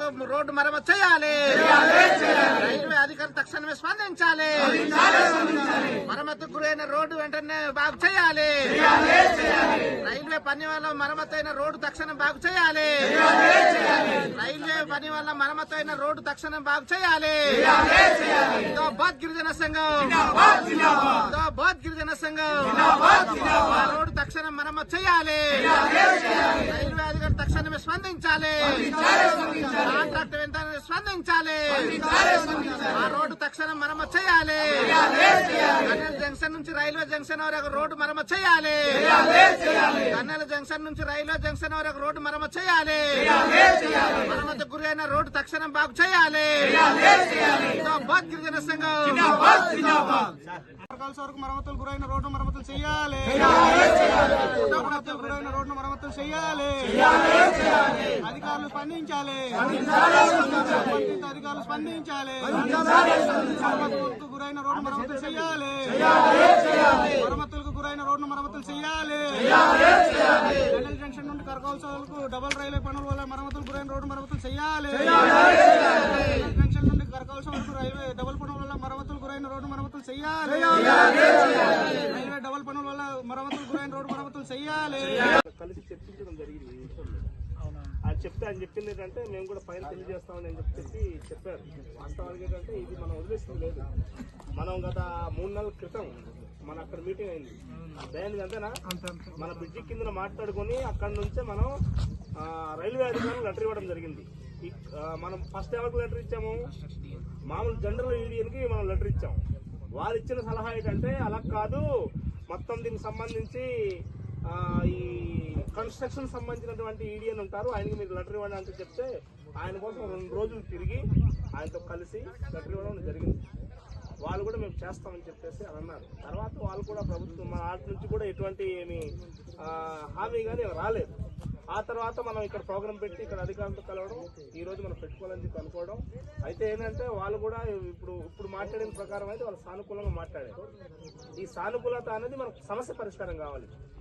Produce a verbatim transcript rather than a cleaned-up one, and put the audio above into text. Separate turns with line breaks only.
Road మరమ్మతు చేయాలి. Railway అధికారులు తక్షణమే స్పందించాలి. మరమ్మతుకు గురైన రోడ్డు వెంటనే బాగు చేయాలి. రైల్వే పని వల్ల మరమ్మతు అయిన రోడ్డు తక్షణం బాగు చేయాలి. రైల్వే పని వల్ల మరమ్మతు అయిన రోడ్డు తక్షణం బాగు చేయాలి. జిందాబాద్ గిరిజన సంఘం, జిందాబాద్ గిరిజన సంఘం. ఆ రోడ్డు తక్షణం మరమ్మతు చేయాలి. రైల్వే అధికారులు తక్షణమే స్పందించాలి. కాంట్రాక్టర్ వెంటనే స్పందించాలి. ఆ రోడ్డు తక్షణం మరమ్మతు చేయాలి. కన్నెల జంక్షన్ నుంచి రైల్వే జంక్షన్ వరకు రోడ్డు మరమ్మతు చేయాలి. కన్నెల జంక్షన్ నుంచి రైల్వే జంక్షన్ వరకు రోడ్డు మరమ్మతు చేయాలి. మరమ్మతుకు గురైన రోడ్డు తక్షణం బాగు చేయాలి. జిందాబాద్ గిరిజన సంఘం. వరకు మరమ్మతులు గురైన రోడ్డు మరమ్మతులు చేయాలి. మరమ్మతులు గురైన రోడ్డు మరమ్మతులు చేయాలి. అధికారులు స్పందించాలి. అధికారులు స్పందించాలి. మరమ్మతులకు గురైన రోడ్డు మరమ్మతులు చేయాలి. మరమ్మతులకు గురైన రోడ్డు మరమ్మతులు చేయాలి. కన్నెల జంక్షన్ నుండి కరకౌల్సలకు డబుల్ రైల్వే పనుల వల్ల మరమ్మతులు గురైన రోడ్డు మరమ్మతులు చేయాలి. జంక్షన్ నుండి కరకౌల్సం వరకు రైల్వే డబుల్ పనుల వల్ల మరమ్మతులు గురైన రోడ్డు మరమ్మతులు చేయాలి. రైల్వే డబుల్ పనుల వల్ల మరమ్మతులు గురైన రోడ్డు మరమ్మతులు చేయాలి.
కలిసి చర్చించడం జరిగింది ఈ విషయంలో. అది చెప్తే ఆయన చెప్పింది ఏంటంటే మేము కూడా పైన తెలియజేస్తామని అని చెప్పి చెప్పారు. వాస్తవానికి ఏంటంటే ఇది మనం వదిలేసింది లేదు. మనం గత మూడు నెలల క్రితం మన అక్కడ మీటింగ్ అయింది. అదేంటి అంతేనా, మన బ్రిడ్జి కింద మాట్లాడుకుని అక్కడ నుంచే మనం రైల్వే అధికారులు లెటర్ ఇవ్వడం జరిగింది. మనం ఫస్ట్ ఎవరికి లెటర్ ఇచ్చాము, మామూలు జనరల్ యూనియన్కి మనం లెటర్ ఇచ్చాము. వారు ఇచ్చిన సలహా ఏంటంటే అలా కాదు, మొత్తం దీనికి సంబంధించి ఈ కన్స్ట్రక్షన్ సంబంధించినటువంటి ఈడియన్ ఉంటారు, ఆయనకి మీరు లెటర్ ఇవ్వండి అంటే చెప్తే ఆయన కోసం రెండు రోజులు తిరిగి ఆయనతో కలిసి లెటర్ ఇవ్వడం జరిగింది. వాళ్ళు కూడా మేము చేస్తామని చెప్పేసి అని అన్నారు. తర్వాత వాళ్ళు కూడా ప్రభుత్వం మన ఆటి నుంచి కూడా ఎటువంటి ఏమి హామీ కానీ రాలేదు. ఆ తర్వాత మనం ఇక్కడ ప్రోగ్రామ్ పెట్టి ఇక్కడ అధికారులతో కలవడం, ఈ రోజు మనం పెట్టుకోవాలని చెప్పి అనుకోవడం. అయితే ఏంటంటే వాళ్ళు కూడా ఇప్పుడు ఇప్పుడు మాట్లాడిన ప్రకారం అయితే వాళ్ళు సానుకూలంగా మాట్లాడారు. ఈ సానుకూలత అనేది మనకు సమస్య పరిష్కారం కావాలి.